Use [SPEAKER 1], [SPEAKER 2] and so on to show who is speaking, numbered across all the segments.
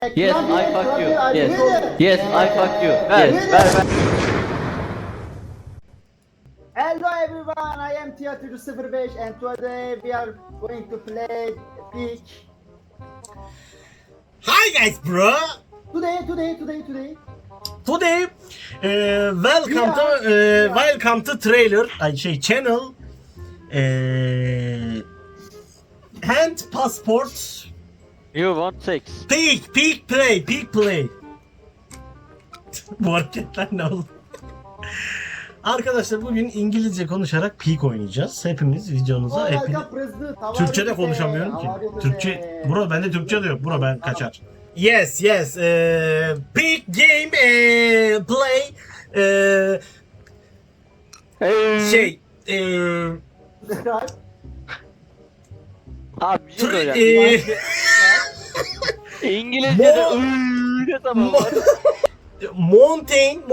[SPEAKER 1] Yes, I fuck you. Yes. Yes, I fuck you. Ver.
[SPEAKER 2] Hello everyone, I am Tiyatro 05 and today we are going to play Peak.
[SPEAKER 3] Hi guys, bro.
[SPEAKER 2] Today.
[SPEAKER 3] Welcome to trailer. Channel. Hand passport.
[SPEAKER 1] You want sex?
[SPEAKER 3] Peak play. Bu hareketler ne oldu? Arkadaşlar bugün İngilizce konuşarak Peak oynayacağız. Hepimiz videomuza Türkçe de konuşamıyorum ki. Türkçe, bro bende Türkçe de yok. Bro ben kaçar. Yes. Peak game play.
[SPEAKER 1] Abi bir şey söyleyeceğim. İngilizce'de ne zaman var?
[SPEAKER 3] Mountain.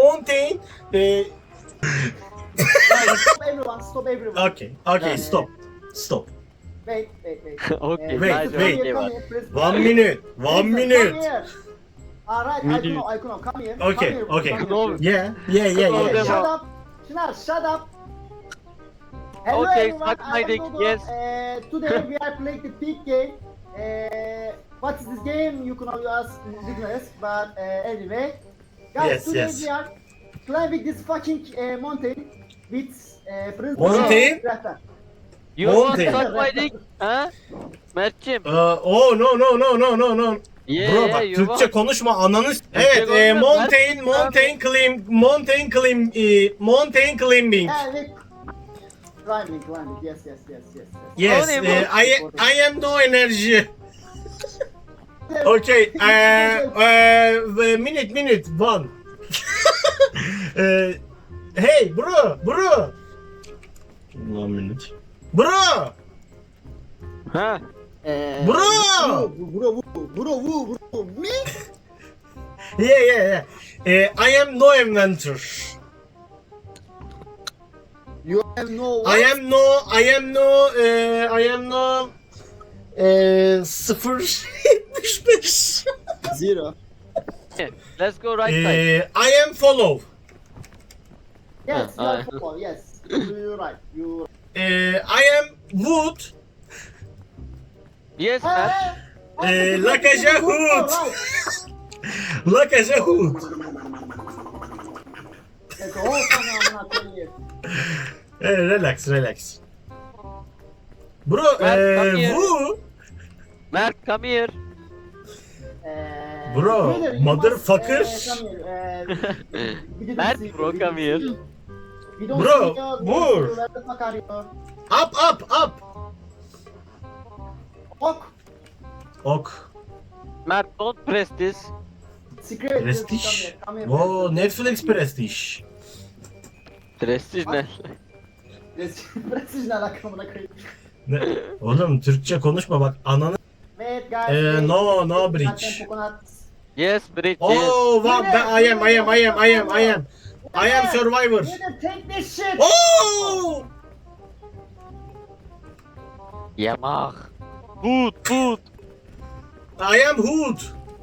[SPEAKER 2] Stop everyone.
[SPEAKER 3] Okay, stop.
[SPEAKER 2] Wait.
[SPEAKER 1] Okay,
[SPEAKER 3] Wait.
[SPEAKER 2] Come here, please.
[SPEAKER 3] One minute.
[SPEAKER 2] Come here. Alright, I know, come here.
[SPEAKER 3] Okay.
[SPEAKER 2] Come here.
[SPEAKER 3] Yeah.
[SPEAKER 2] Shut up. Çınar, shut up. Hello
[SPEAKER 1] Okay,
[SPEAKER 2] everyone,
[SPEAKER 1] suck my
[SPEAKER 2] I am
[SPEAKER 1] dick,
[SPEAKER 2] Dodo.
[SPEAKER 1] yes.
[SPEAKER 2] Today we are playing the Peak game. What is this game? You can ask ignorance, but anyway. Guys, today
[SPEAKER 3] Yes.
[SPEAKER 2] we are climbing this fucking mountain with Prince.
[SPEAKER 3] Mountain?
[SPEAKER 1] You want
[SPEAKER 3] Mountain.
[SPEAKER 1] suck my dick? Ha? Mert'cim.
[SPEAKER 3] Oh no.
[SPEAKER 1] Yeah,
[SPEAKER 3] Bro bak
[SPEAKER 1] you
[SPEAKER 3] Türkçe
[SPEAKER 1] want.
[SPEAKER 3] konuşma ananı. Evet,
[SPEAKER 1] konuşma,
[SPEAKER 3] mountain climbing.
[SPEAKER 2] Climbing. Yes.
[SPEAKER 3] Yes,
[SPEAKER 1] O ne bu?
[SPEAKER 3] I am no energy. Okay, minute one. Hey bro. 1 minute. Bro.
[SPEAKER 1] Ha?
[SPEAKER 3] Bro.
[SPEAKER 2] Bro, me?
[SPEAKER 3] Yeah. I am no inventor.
[SPEAKER 2] You have no.
[SPEAKER 3] I am no 0.75.
[SPEAKER 2] Zero.
[SPEAKER 1] Let's go right side.
[SPEAKER 3] I am follow.
[SPEAKER 2] Yes, you
[SPEAKER 1] Ha,
[SPEAKER 2] are football. Yes, you're right.
[SPEAKER 3] I am wood.
[SPEAKER 1] Yes, Mert.
[SPEAKER 3] Like a Yahoo. Like a Yahoo. Relax. Bro,
[SPEAKER 1] come here.
[SPEAKER 3] who?
[SPEAKER 1] Mert, come here.
[SPEAKER 3] Bro, motherfucker.
[SPEAKER 1] Mert, bro, come here.
[SPEAKER 3] Bro, move. Up. Ok.
[SPEAKER 1] Mert, don't press this.
[SPEAKER 3] Prestige. Wow, Netflix Prestige.
[SPEAKER 1] Prestige ne?
[SPEAKER 2] Prestige ne alakamına koyayım.
[SPEAKER 3] Ne? Oğlum Türkçe konuşma bak ananı.
[SPEAKER 2] Wait guys.
[SPEAKER 3] No bridge.
[SPEAKER 1] Yes, bridge.
[SPEAKER 3] Oh, wow, I am survivor.
[SPEAKER 2] Take this shit.
[SPEAKER 3] Oh!
[SPEAKER 1] Yamak. Food.
[SPEAKER 3] I am hood.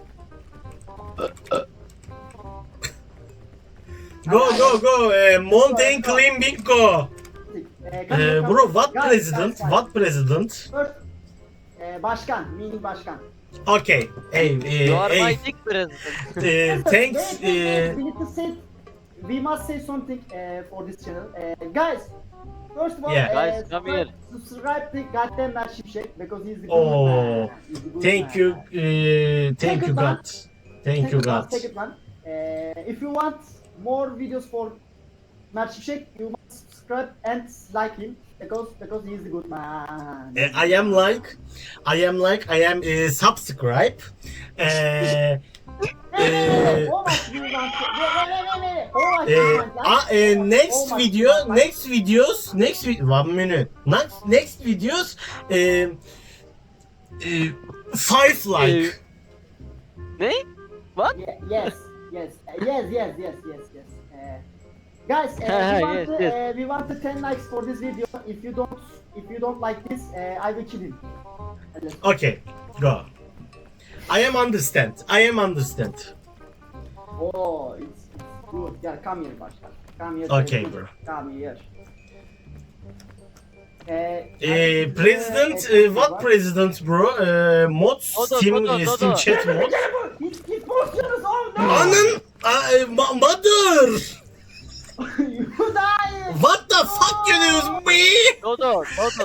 [SPEAKER 3] Go. Mountain climbing go. Bro, what president?
[SPEAKER 2] First, başkan, meaning başkan.
[SPEAKER 3] Okay.
[SPEAKER 1] You are my
[SPEAKER 3] Hey.
[SPEAKER 1] dick president.
[SPEAKER 3] Thanks.
[SPEAKER 2] We need to say, we must say something for this channel. Guys, first of all,
[SPEAKER 3] Yeah.
[SPEAKER 1] Guys, come here.
[SPEAKER 2] subscribe to goddamn Mert Şimşek because he's the good
[SPEAKER 3] Oh,
[SPEAKER 2] man. He's the good
[SPEAKER 3] Thank
[SPEAKER 2] man.
[SPEAKER 3] you. Thank you God. Thank you God.
[SPEAKER 2] Take it, man. If you want more videos for Mert Şimşek, you must subscribe and like him because he is the good man.
[SPEAKER 3] I am subscribe.
[SPEAKER 2] How much do you want? How much do you want?
[SPEAKER 3] Next videos. 1 minute. Next videos. 5 like.
[SPEAKER 1] Ne? What?
[SPEAKER 2] Yes. Guys,
[SPEAKER 1] Yes.
[SPEAKER 2] we want 10 likes for this video. If you don't like this, I will kill him.
[SPEAKER 3] Okay, go. I am understand. I am understand.
[SPEAKER 2] Oh, it's good. Yeah, come here, Başkan. Come here.
[SPEAKER 3] Okay,
[SPEAKER 2] President.
[SPEAKER 3] bro.
[SPEAKER 2] Come here.
[SPEAKER 3] President, what president, bro? Mods,
[SPEAKER 1] Dodo,
[SPEAKER 3] Steam,
[SPEAKER 1] Dodo,
[SPEAKER 3] Steam
[SPEAKER 1] Dodo.
[SPEAKER 3] chat mod.
[SPEAKER 2] He's positions. Oh no!
[SPEAKER 3] Anın, mother.
[SPEAKER 2] You die!
[SPEAKER 3] What the fuck you do, me?
[SPEAKER 1] Dodo,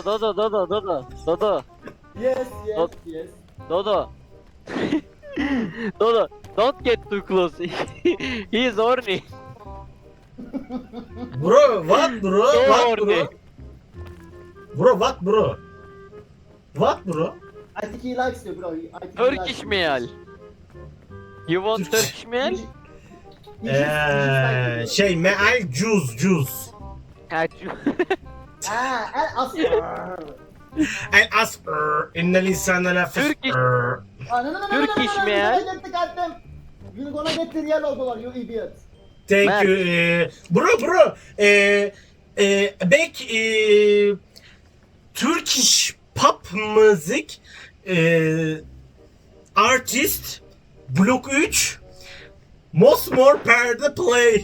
[SPEAKER 1] Dodo.
[SPEAKER 2] Yes, yes,
[SPEAKER 1] Not-
[SPEAKER 2] yes.
[SPEAKER 1] Dodo. Dodo, don't get too close. He is horny.
[SPEAKER 3] Bro, what, bro?
[SPEAKER 1] So
[SPEAKER 3] What,
[SPEAKER 1] horny.
[SPEAKER 3] bro? Bro, what, bro? What, bro?
[SPEAKER 2] I think he likes you, bro. I think he
[SPEAKER 1] Turkish
[SPEAKER 2] likes you.
[SPEAKER 1] meal. You want Turkish meal?
[SPEAKER 2] He just like you,
[SPEAKER 3] Şey, meal, juice.
[SPEAKER 2] El asper.
[SPEAKER 3] El asr, innel insane la
[SPEAKER 1] Turkish. Turkish
[SPEAKER 2] man.
[SPEAKER 1] man.
[SPEAKER 2] You're gonna get the goddamn. You're gonna get the yellow dollar, you idiot.
[SPEAKER 3] Thank
[SPEAKER 1] Mert.
[SPEAKER 3] you. Bro, back, Turkish pop müzik, artist, blok 3, Mosmor perde play.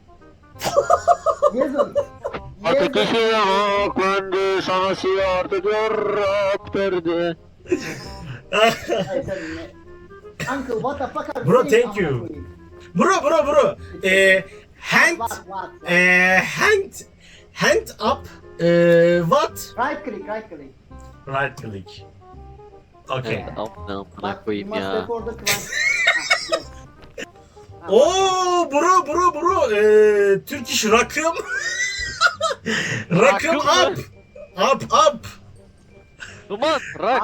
[SPEAKER 2] Yazın.
[SPEAKER 1] Ateşi yaklandı, şansı artık yorak verdi.
[SPEAKER 2] Hey, sen ne? Uncle, what the fuck are you
[SPEAKER 3] Bro,
[SPEAKER 2] saying?
[SPEAKER 3] thank you. Bro, hand,
[SPEAKER 2] What?
[SPEAKER 3] hand up, what?
[SPEAKER 2] Right click.
[SPEAKER 3] Right click. Okay.
[SPEAKER 1] Amına
[SPEAKER 2] Bak,
[SPEAKER 1] koyayım
[SPEAKER 2] you must
[SPEAKER 1] ya.
[SPEAKER 2] record the climb. Yes.
[SPEAKER 3] Oo bro, Turkish rakım. Rakım
[SPEAKER 1] Rakım
[SPEAKER 3] up.
[SPEAKER 1] mı?
[SPEAKER 3] Up.
[SPEAKER 1] Duman, rak.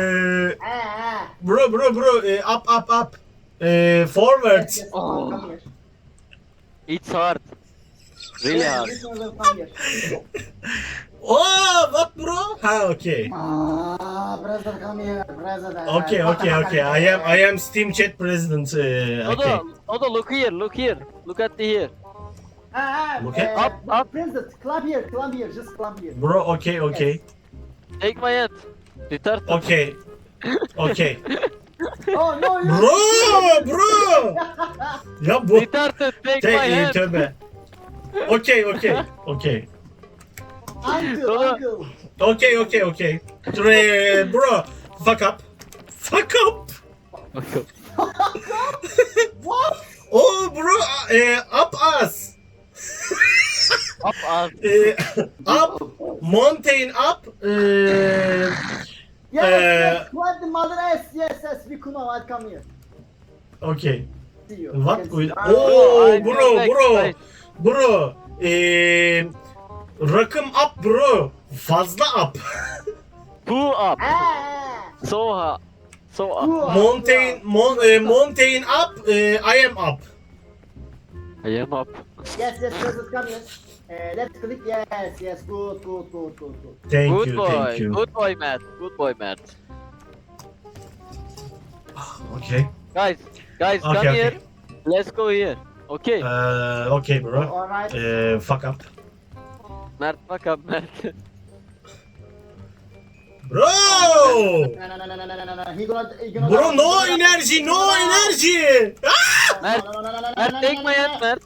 [SPEAKER 3] Bro, up. Forward.
[SPEAKER 2] Yes, yes,
[SPEAKER 1] Oh.
[SPEAKER 2] come here.
[SPEAKER 1] It's hard. Really
[SPEAKER 2] Yes,
[SPEAKER 1] hard.
[SPEAKER 2] this one will come here.
[SPEAKER 3] Oh, what bro? Ha, okay.
[SPEAKER 2] Brother, come here, brother.
[SPEAKER 3] Okay. I am Steam chat president. Okay.
[SPEAKER 1] Dodo, look here. Look at the here.
[SPEAKER 3] Look at-
[SPEAKER 1] Up.
[SPEAKER 2] President, climb here, just climb here.
[SPEAKER 3] Bro, okay.
[SPEAKER 1] Take my hand. Retard.
[SPEAKER 3] Okay.
[SPEAKER 2] Oh no, you.
[SPEAKER 3] Bro. Ya bu.
[SPEAKER 1] Retarded, take my hand.
[SPEAKER 3] Tövbe. Okay.
[SPEAKER 2] Uncle.
[SPEAKER 3] Okay. Bro, fuck up.
[SPEAKER 2] What?
[SPEAKER 3] Oh bro, up us.
[SPEAKER 1] Up.
[SPEAKER 3] Up, mountain up.
[SPEAKER 2] Yes, climb the mother ass. Yes, we could know. I'll come here.
[SPEAKER 3] Okay.
[SPEAKER 2] See you.
[SPEAKER 3] What?
[SPEAKER 2] Yes.
[SPEAKER 3] Oh,
[SPEAKER 1] I
[SPEAKER 3] bro. Rakım up bro. Fazla up.
[SPEAKER 1] Two up.
[SPEAKER 2] Ah.
[SPEAKER 1] So up.
[SPEAKER 3] Mountain up. I am up.
[SPEAKER 1] I am up.
[SPEAKER 2] Yes, president, come here. Let's click. Yes, good.
[SPEAKER 3] Thank
[SPEAKER 1] Good
[SPEAKER 3] you.
[SPEAKER 1] boy. Good boy, Matt.
[SPEAKER 3] Okay.
[SPEAKER 1] Guys, come
[SPEAKER 3] Okay.
[SPEAKER 1] here. Let's go here. Okay.
[SPEAKER 3] Okay bro.
[SPEAKER 2] Alright.
[SPEAKER 3] Fuck up.
[SPEAKER 1] Mert, fuck up, Mert.
[SPEAKER 3] Bro!
[SPEAKER 2] No. He gonna.
[SPEAKER 3] Bro, no energy.
[SPEAKER 1] Mert, take my hand, Mert.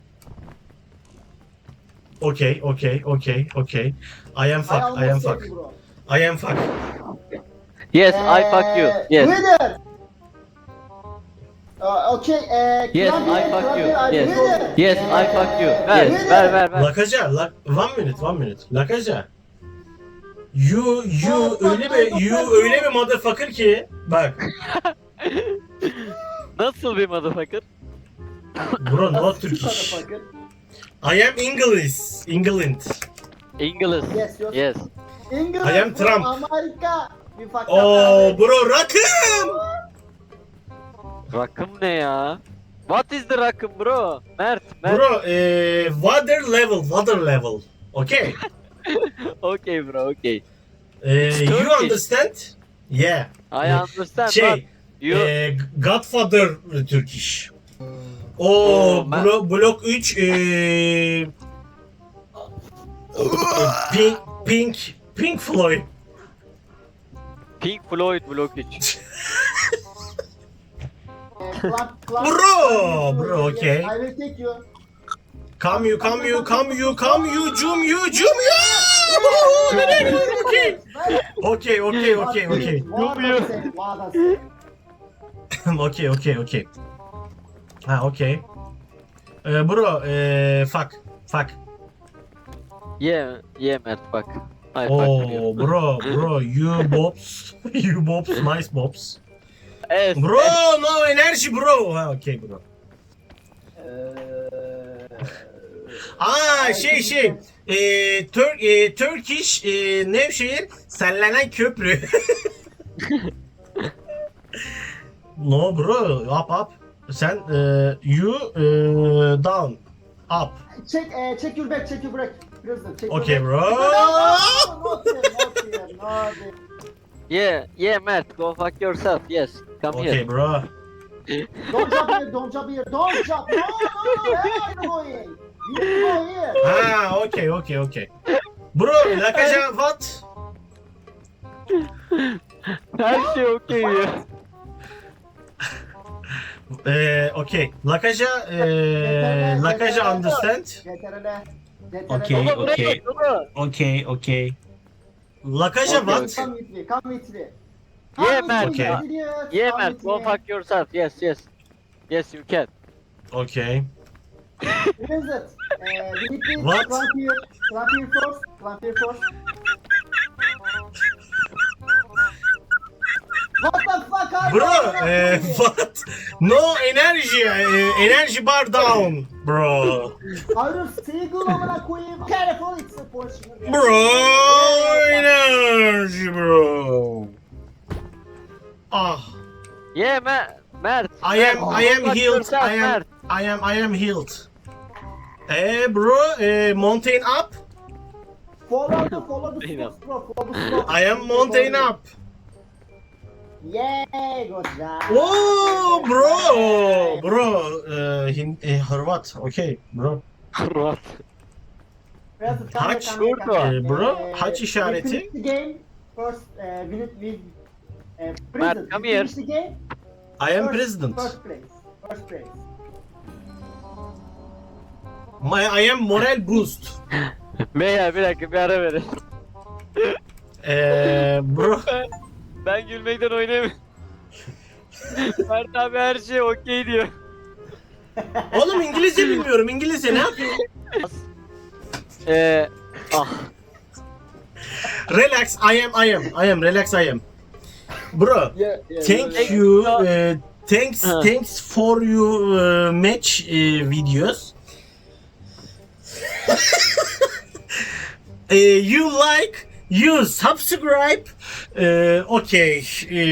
[SPEAKER 3] Okay. I am fuck.
[SPEAKER 1] Yes, I fuck you. Yes.
[SPEAKER 2] Winner. Okay.
[SPEAKER 1] Yes,
[SPEAKER 2] climb
[SPEAKER 1] I
[SPEAKER 2] here,
[SPEAKER 1] fuck
[SPEAKER 2] climb
[SPEAKER 1] you.
[SPEAKER 2] here, I'll
[SPEAKER 1] Yes.
[SPEAKER 2] do it.
[SPEAKER 1] Yes, I fuck you.
[SPEAKER 2] Yes.
[SPEAKER 1] Ver.
[SPEAKER 3] Lakaja, 1 minute. Lakaja. You öyle bir motherfucker ki bak.
[SPEAKER 1] Nasıl bir motherfucker?
[SPEAKER 3] Bro, no Turkish.
[SPEAKER 2] Motherfucker.
[SPEAKER 3] I am England.
[SPEAKER 1] English.
[SPEAKER 2] Yes. England.
[SPEAKER 3] I am Trump.
[SPEAKER 2] Amerika. We fucked
[SPEAKER 3] Oh
[SPEAKER 2] up.
[SPEAKER 3] bro, rakım.
[SPEAKER 1] Rakım ne ya? What is the rakım bro? Mert.
[SPEAKER 3] Bro, water level. Okay.
[SPEAKER 1] Okay bro, okay.
[SPEAKER 3] You
[SPEAKER 1] Turkish.
[SPEAKER 3] understand? Yeah.
[SPEAKER 1] I understand
[SPEAKER 3] Şey,
[SPEAKER 1] but you...
[SPEAKER 3] Godfather Turkish.
[SPEAKER 1] Oh, ben-
[SPEAKER 3] Blok 3 Pink Floyd.
[SPEAKER 1] Pink Floyd Blok 3.
[SPEAKER 3] Bro, okay.
[SPEAKER 2] Yes, I will take you.
[SPEAKER 3] Come you, Jum you. Okay. Okay. Ha, okay. Bro, fuck.
[SPEAKER 1] Yeah, Mert, fuck. I fuck
[SPEAKER 3] Oh,
[SPEAKER 1] you.
[SPEAKER 3] bro, you bobs, nice bobs.
[SPEAKER 1] Yes.
[SPEAKER 3] Bro, no energy, bro. Ha, okay, bro. Turkish, Nevşehir, sellenen köprü. No, bro, up. Sen, you, down, up.
[SPEAKER 2] Check your back. President, check
[SPEAKER 3] Okay,
[SPEAKER 2] your
[SPEAKER 3] bro.
[SPEAKER 2] back. Not here.
[SPEAKER 1] Yeah, Mert, go fuck yourself. Yes, come
[SPEAKER 3] Okay,
[SPEAKER 1] here.
[SPEAKER 3] bro.
[SPEAKER 2] Don't jump here. No, where are you going? You need to go here.
[SPEAKER 3] Ha, okay. Bro, Lakaja, what?
[SPEAKER 1] Her şey okey ya.
[SPEAKER 3] Okay. Lakaja understand?
[SPEAKER 2] CTRL.
[SPEAKER 3] Okay.
[SPEAKER 1] Baba buraya git baba.
[SPEAKER 3] Okay. Lakaja
[SPEAKER 1] Okay,
[SPEAKER 3] what?
[SPEAKER 2] Come with me.
[SPEAKER 1] Yeah, Mert.
[SPEAKER 3] Okay.
[SPEAKER 1] Yeah, Mert, go fuck yourself. Yes. Yes, you can.
[SPEAKER 3] Okay.
[SPEAKER 2] President, we need to
[SPEAKER 3] What?
[SPEAKER 2] climb here first. What the fuck are
[SPEAKER 3] Bro,
[SPEAKER 2] you doing?
[SPEAKER 3] what? No energy. Energy bar down, bro.
[SPEAKER 2] Hayır, Seagull amına koyayım. Careful, it's a Porsche.
[SPEAKER 3] Bro, energy, bro. Ah,
[SPEAKER 1] Yeah, Mert.
[SPEAKER 3] I am
[SPEAKER 1] Fuck
[SPEAKER 3] healed.
[SPEAKER 1] yourself, Mert.
[SPEAKER 3] I am healed. Bro, mountain up.
[SPEAKER 2] Follow the slopes, bro. Follow the slopes.
[SPEAKER 3] I am mountain up.
[SPEAKER 2] Yeah, good job.
[SPEAKER 3] Oh, bro, Hırvat, okay, bro.
[SPEAKER 1] What?
[SPEAKER 2] President,
[SPEAKER 3] Haç,
[SPEAKER 2] come.
[SPEAKER 3] bro, haç işareti.
[SPEAKER 2] We finish the game. First, we
[SPEAKER 1] Mert,
[SPEAKER 2] President,
[SPEAKER 1] come
[SPEAKER 2] we
[SPEAKER 1] here.
[SPEAKER 2] finish the game.
[SPEAKER 3] I am president.
[SPEAKER 2] First place.
[SPEAKER 3] I am moral boost.
[SPEAKER 1] Beyler bir dakika bir ara verin.
[SPEAKER 3] Bro,
[SPEAKER 1] Ben gülmekten oynayamıyorum. Mert abi her şey okey diyor.
[SPEAKER 3] oğlum İngilizce bilmiyorum. İngilizce ne yapayım?
[SPEAKER 1] Ah.
[SPEAKER 3] Relax, I am, relax, I am. Bro, thank you, thanks for your match videos. You subscribe. Okay.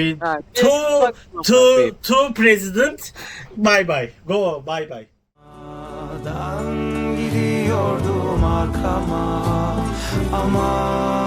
[SPEAKER 3] To president. Bye. Go, bye.
[SPEAKER 4] Gidiyordum arkama ama